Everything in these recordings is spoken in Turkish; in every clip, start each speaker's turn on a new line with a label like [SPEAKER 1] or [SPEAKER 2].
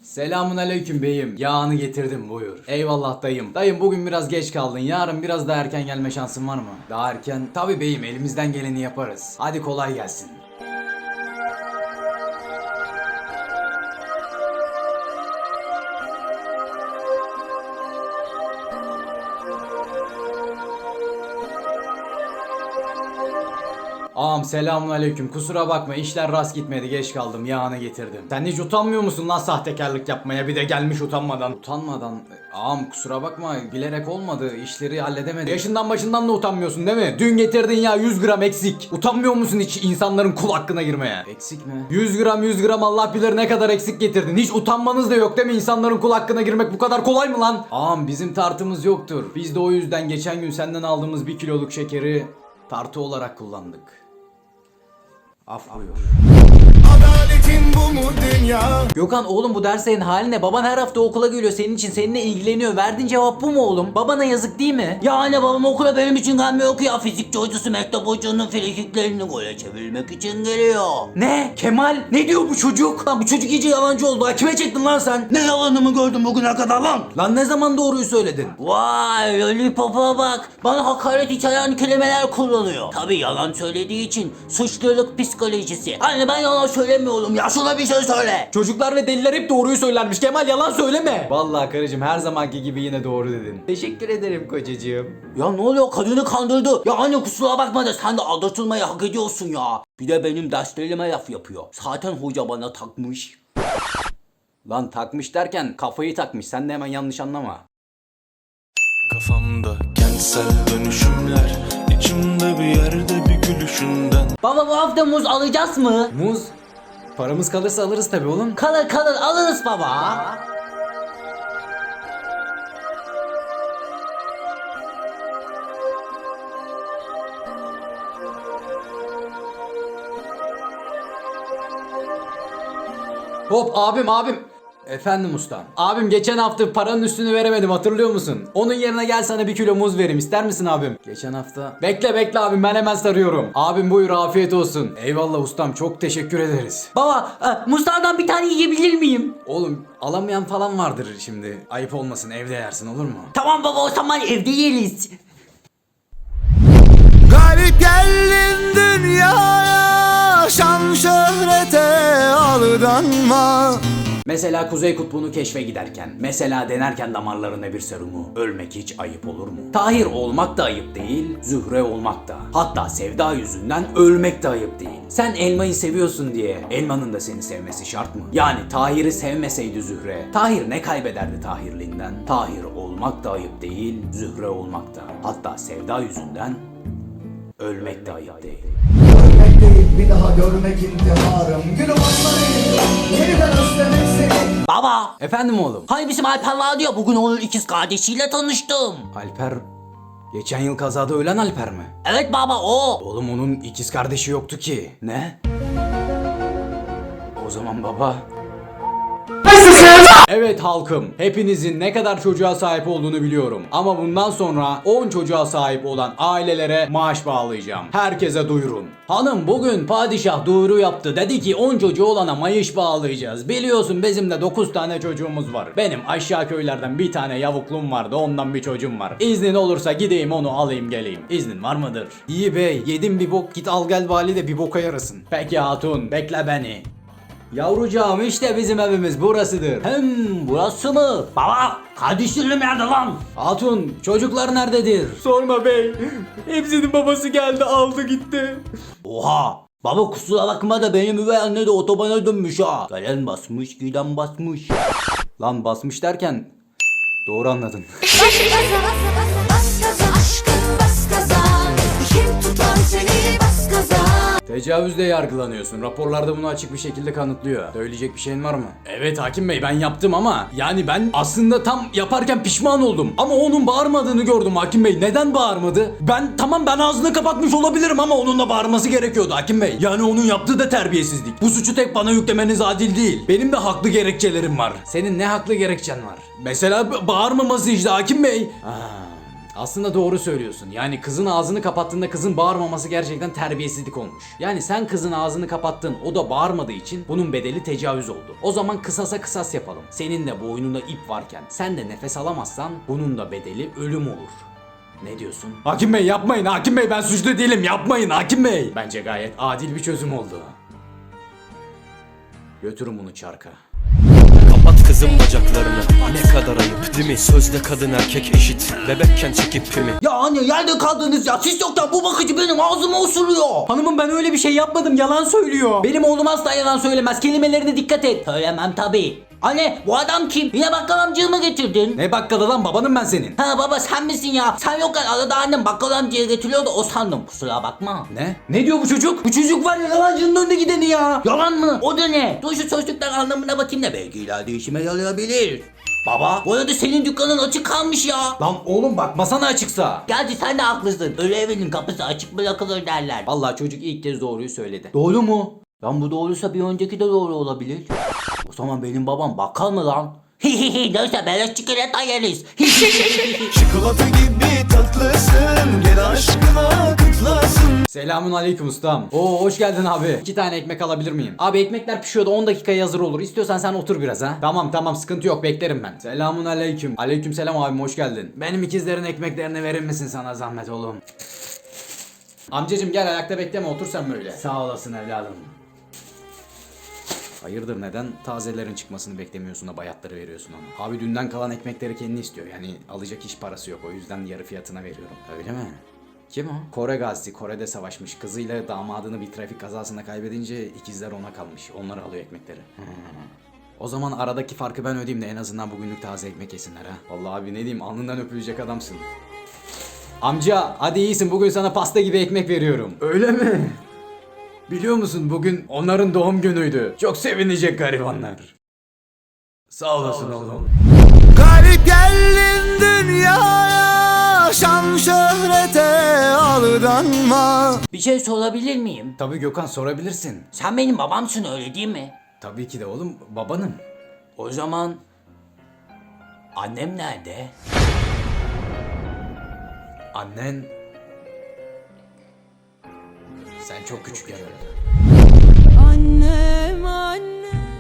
[SPEAKER 1] Selamun aleyküm beyim. Yağını getirdim buyur. Eyvallah dayım. Dayım bugün biraz geç kaldın. Yarın biraz daha erken gelme şansın var mı? Daha erken? Tabi beyim, elimizden geleni yaparız. Hadi kolay gelsin. Ağam selamun aleyküm. Kusura bakma, işler rast gitmedi, geç kaldım, yağını getirdim. Sen hiç utanmıyor musun lan sahtekarlık yapmaya, bir de gelmiş utanmadan. Utanmadan? Ağam kusura bakma, bilerek olmadı, işleri halledemedim. Yaşından başından da utanmıyorsun değil mi? Dün getirdin ya 100 gram eksik. Utanmıyor musun hiç insanların kul hakkına girmeye? Eksik mi? 100 gram Allah bilir ne kadar eksik getirdin. Hiç utanmanız da yok değil mi? İnsanların kul hakkına girmek bu kadar kolay mı lan? Ağam bizim tartımız yoktur. Biz de o yüzden geçen gün senden aldığımız 1 kiloluk şekeri tartı olarak kullandık. Af buyur.
[SPEAKER 2] Adaletin bu mu dünya?
[SPEAKER 3] Gökhan oğlum bu derslerin hali ne? Baban her hafta okula geliyor senin için, seninle ilgileniyor. Verdiğin cevap bu mu oğlum? Babana yazık değil mi?
[SPEAKER 4] Ya anne babam okula benim için gelmiyor ki ya. Fizikçi hocası mektep hocanın frikiklerini gole çevirmek için geliyor.
[SPEAKER 3] Ne? Kemal? Ne diyor bu çocuk? Lan bu çocuk iyice yalancı oldu. Ha, kime çektin lan sen?
[SPEAKER 4] Ne yalanımı gördün bugüne kadar lan?
[SPEAKER 3] Lan ne zaman doğruyu söyledin?
[SPEAKER 4] Vay lollipop'a bak. Bana hakaret içeren kelimeler kullanıyor. Tabi yalan söylediği için suçluluk psikolojisi. Anne ben yalan söylemiyorum ya, şuna bir şey söyle.
[SPEAKER 3] Çocuklar ve deliler hep doğruyu söylermiş. Kemal yalan söyleme.
[SPEAKER 1] Vallahi karıcığım her zamanki gibi yine doğru dedin. Teşekkür ederim kocacığım.
[SPEAKER 4] Ya ne oluyor, kadını kandırdı. Ya anne kusura bakma da sen de aldatılmayı hak ediyorsun ya. Bir de benim derslerime laf yapıyor. Zaten hoca bana takmış.
[SPEAKER 1] Lan takmış derken kafayı takmış, sen de hemen yanlış anlama.
[SPEAKER 2] Kafamda kentsel dönüşümler, içimde bir yerde bir gülüşünden.
[SPEAKER 4] Baba bu hafta muz alacağız mı?
[SPEAKER 1] Muz? Paramız kalırsa alırız tabi oğlum.
[SPEAKER 4] Kalır alırız baba.
[SPEAKER 1] Hop abim. Efendim ustam. Abim geçen hafta paranın üstünü veremedim, hatırlıyor musun? Onun yerine gel sana 1 kilo muz vereyim, ister misin abim? Geçen hafta... Bekle abim, ben hemen sarıyorum. Abim buyur, afiyet olsun. Eyvallah ustam, çok teşekkür ederiz.
[SPEAKER 4] Baba muzlardan bir tane yiyebilir miyim?
[SPEAKER 1] Oğlum alamayan falan vardır şimdi. Ayıp olmasın, evde yersin, olur mu?
[SPEAKER 4] Tamam baba, o zaman evde yeriz.
[SPEAKER 2] Garip geldin dünyaya, şan şöhrete aldanma.
[SPEAKER 1] Mesela Kuzey Kutbu'nu keşfe giderken, mesela denerken damarlarına bir serumu, ölmek hiç ayıp olur mu? Tahir olmak da ayıp değil, Zühre olmak da. Hatta sevda yüzünden ölmek de ayıp değil. Sen elmayı seviyorsun diye elmanın da seni sevmesi şart mı? Yani Tahir'i sevmeseydi Zühre, Tahir ne kaybederdi Tahirliğinden? Tahir olmak da ayıp değil, Zühre olmak da. Hatta sevda yüzünden ölmek de ayıp değil.
[SPEAKER 5] Görmek değil bir daha görmek intiharım. Gülüm anlayın yeniden özlemek seni.
[SPEAKER 4] Baba
[SPEAKER 1] Efendim oğlum?
[SPEAKER 4] hani bizim Alper vardı ya, bugün onun ikiz kardeşiyle tanıştım.
[SPEAKER 1] Alper, geçen yıl kazada ölen Alper mi?
[SPEAKER 4] Evet baba, o.
[SPEAKER 1] Oğlum onun ikiz kardeşi yoktu ki. Ne? O zaman baba... Evet halkım, hepinizin ne kadar çocuğa sahip olduğunu biliyorum. Ama bundan sonra 10 çocuğa sahip olan ailelere maaş bağlayacağım. Herkese duyurun. Hanım bugün padişah duyuru yaptı. Dedi ki 10 çocuğu olana maaş bağlayacağız. Biliyorsun bizim de 9 tane çocuğumuz var. Benim aşağı köylerden bir tane yavuklum vardı, ondan bir çocuğum var. İznin olursa gideyim onu alayım geleyim. İznin var mıdır? İyi bey, yedim bir bok, git al gel vali de bir boka yarasın. Peki hatun, bekle beni. Yavrucağım işte bizim evimiz burasıdır.
[SPEAKER 4] Burası mı? Baba kardeşlerim nerede lan?
[SPEAKER 1] Hatun çocuklar nerededir?
[SPEAKER 3] Sorma bey. Hepsinin babası geldi aldı gitti.
[SPEAKER 4] Oha. Baba kusura bakma da benim üvey anne de otobana dönmüş ha. Gelen basmış giden basmış.
[SPEAKER 1] Lan basmış derken doğru anladın.
[SPEAKER 6] Bas gaza aşkım bas gaza. Kim tutar seni bas gaza.
[SPEAKER 1] Tecavüzle yargılanıyorsun. Raporlarda bunu açık bir şekilde kanıtlıyor. Söyleyecek bir şeyin var mı? Evet hakim bey, ben yaptım ama yani ben aslında tam yaparken pişman oldum. Ama onun bağırmadığını gördüm hakim bey. Neden bağırmadı? Ben ağzını kapatmış olabilirim ama onun da bağırması gerekiyordu hakim bey. Yani onun yaptığı da terbiyesizlik. Bu suçu tek bana yüklemeniz adil değil. Benim de haklı gerekçelerim var. Senin ne haklı gerekçen var? Mesela bağırmaması işte hakim bey. Aslında doğru söylüyorsun. Yani kızın ağzını kapattığında kızın bağırmaması gerçekten terbiyesizlik olmuş. Yani sen kızın ağzını kapattın, o da bağırmadığı için bunun bedeli tecavüz oldu. O zaman kısasa kısas yapalım. Senin de boynunda ip varken sen de nefes alamazsan bunun da bedeli ölüm olur. Ne diyorsun? Hakim Bey yapmayın, Hakim Bey ben suçlu değilim, yapmayın Hakim Bey. Bence gayet adil bir çözüm oldu. Götürün bunu çarka.
[SPEAKER 7] Kapat kızım bacaklarını. Ne kadar ayıp değil mi? Sözde kadın erkek eşit. Bebekken çekip pimi.
[SPEAKER 4] Ya anne yerde kaldınız ya. Siz yoktan bu bakıcı benim ağzımı osuruyor.
[SPEAKER 3] Hanımım ben öyle bir şey yapmadım, yalan söylüyor.
[SPEAKER 4] Benim oğlum asla yalan söylemez. Kelimelerine dikkat et. Söylemem tabii. Anne bu adam kim? Yine bakkal amcayı mı getirdin?
[SPEAKER 1] Ne bakkalı lan, babanım ben senin.
[SPEAKER 4] Ha baba sen misin ya? Sen yokken arada annem bakkal amcaya getiriyor da o sandım. Kusura bakma.
[SPEAKER 1] Ne? Ne diyor bu çocuk?
[SPEAKER 3] Bu çocuk var ya yalancının önde gideni ya.
[SPEAKER 4] Yalan mı? O da ne? Dur şu sözlükten anlamına bakayım da belki ileride işime yarayabilir. Baba bu arada senin dükkanın açık kalmış ya.
[SPEAKER 1] Lan oğlum bakmasana açıksa.
[SPEAKER 4] Gerçi sen de haklısın. Ölü evinin kapısı açık bırakılır derler.
[SPEAKER 1] Vallahi çocuk ilk kez doğruyu söyledi.
[SPEAKER 4] Doğru mu? Lan bu doğruysa bir önceki de doğru olabilir. O zaman benim babam bakkal mı lan? Neyse beleş çikolata yeriz.
[SPEAKER 2] Çikolata gibi tatlısın, gel aşkına kutlasın.
[SPEAKER 1] Selamun aleyküm ustam. Oo hoş geldin abi. 2 tane ekmek alabilir miyim? Abi ekmekler pişiyordu, 10 dakikaya hazır olur. İstiyorsan sen otur biraz ha. Tamam sıkıntı yok, beklerim ben. Selamun aleyküm. Aleyküm selam abim, hoş geldin. Benim ikizlerin ekmeklerini verir misin sana zahmet oğlum? Amcacım gel, ayakta bekleme, otur sen böyle. Sağ olasın evladım. Hayırdır, neden tazelerin çıkmasını beklemiyorsun da bayatları veriyorsun ona? Abi dünden kalan ekmekleri kendi istiyor, yani alacak iş parası yok, o yüzden yarı fiyatına veriyorum. Öyle mi? Kim o? Kore gazisi, Kore'de savaşmış. Kızıyla damadını bir trafik kazasında kaybedince ikizler ona kalmış. Onlar alıyor ekmekleri. O zaman aradaki farkı ben ödeyeyim de en azından bugünlük taze ekmek yesinler ha. Vallahi abi ne diyeyim, alnından öpülecek adamsın. Amca hadi iyisin, bugün sana pasta gibi ekmek veriyorum. Öyle mi? Biliyor musun bugün onların doğum günüydü. Çok sevinecek garibanlar. Sağ olasın oğlum.
[SPEAKER 5] Garip geldin dünyaya, şan şöhrete aldanma.
[SPEAKER 4] Bir şey sorabilir miyim?
[SPEAKER 1] Tabii Gökhan, sorabilirsin.
[SPEAKER 4] Sen benim babamsın öyle değil mi?
[SPEAKER 1] Tabii ki de oğlum, babanım.
[SPEAKER 4] O zaman annem nerede?
[SPEAKER 1] Annen... Sen çok küçükken öldü.
[SPEAKER 6] Annem annem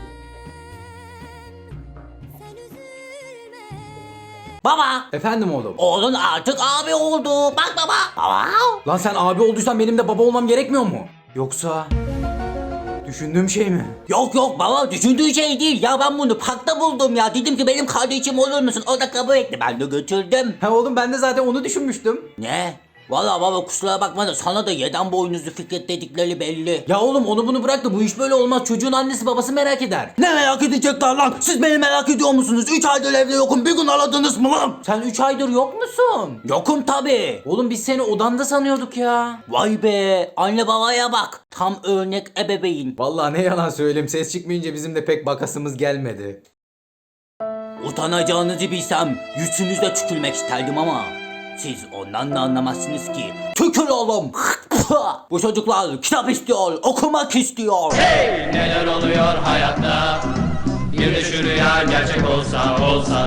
[SPEAKER 6] sen üzülme.
[SPEAKER 4] Baba!
[SPEAKER 1] Efendim oğlum.
[SPEAKER 4] Oğlun artık abi oldu. Bak baba. Baba.
[SPEAKER 1] Lan sen abi olduysan benim de baba olmam gerekmiyor mu? Yoksa... Düşündüğüm şey mi?
[SPEAKER 4] Yok baba düşündüğü şey değil. Ya ben bunu parkta buldum ya. Dedim ki benim kardeşim olur musun? O da kabul etti. Ben de götürdüm.
[SPEAKER 1] Ha oğlum, ben de zaten onu düşünmüştüm.
[SPEAKER 4] Ne? Valla baba kusura bakma da sana da yeden boynuzu Fikret dedikleri belli.
[SPEAKER 1] Ya oğlum onu bunu bırak da bu iş böyle olmaz. Çocuğun annesi babası merak eder.
[SPEAKER 4] Ne merak edecekler lan? Siz beni merak ediyor musunuz? 3 aydır evde yokum. Bir gün aradınız mı lan?
[SPEAKER 3] Sen 3 aydır yok musun?
[SPEAKER 4] Yokum tabi.
[SPEAKER 3] Oğlum biz seni odanda sanıyorduk ya.
[SPEAKER 4] Vay be. Anne babaya bak. Tam örnek ebeveyn.
[SPEAKER 1] Vallahi ne yalan söyleyeyim, ses çıkmayınca bizim de pek bakasımız gelmedi.
[SPEAKER 4] Utanacağınızı bilsem yüzünüzde tükürmek isterdim ama siz ondan da anlamazsınız ki. Tükür oğlum. Bu çocuklar kitap istiyor, okumak istiyor.
[SPEAKER 8] Neler oluyor hayatta? Bir de şu rüya gerçek olsa